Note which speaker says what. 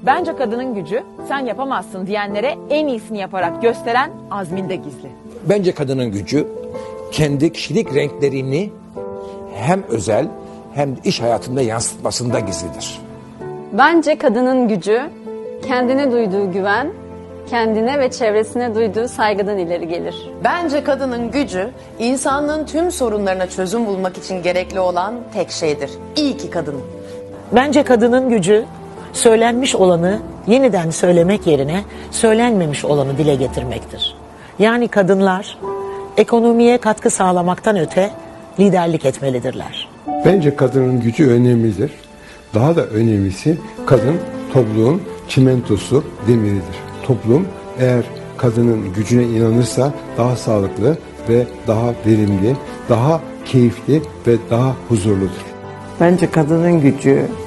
Speaker 1: Bence kadının gücü sen yapamazsın diyenlere en iyisini yaparak gösteren azminde gizli.
Speaker 2: Bence kadının gücü kendi kişilik renklerini hem özel hem de iş hayatında yansıtmasında gizlidir.
Speaker 3: Bence kadının gücü kendine duyduğu güven, kendine ve çevresine duyduğu saygıdan ileri gelir.
Speaker 4: Bence kadının gücü insanlığın tüm sorunlarına çözüm bulmak için gerekli olan tek şeydir. İyi ki kadın.
Speaker 5: Bence kadının gücü söylenmiş olanı yeniden söylemek yerine söylenmemiş olanı dile getirmektir. Yani kadınlar ekonomiye katkı sağlamaktan öte liderlik etmelidirler.
Speaker 6: Bence kadının gücü önemlidir. Daha da önemlisi kadın topluluğun çimentosu, demiridir. Toplum eğer kadının gücüne inanırsa daha sağlıklı ve daha verimli, daha keyifli ve daha huzurludur.
Speaker 7: Bence kadının gücü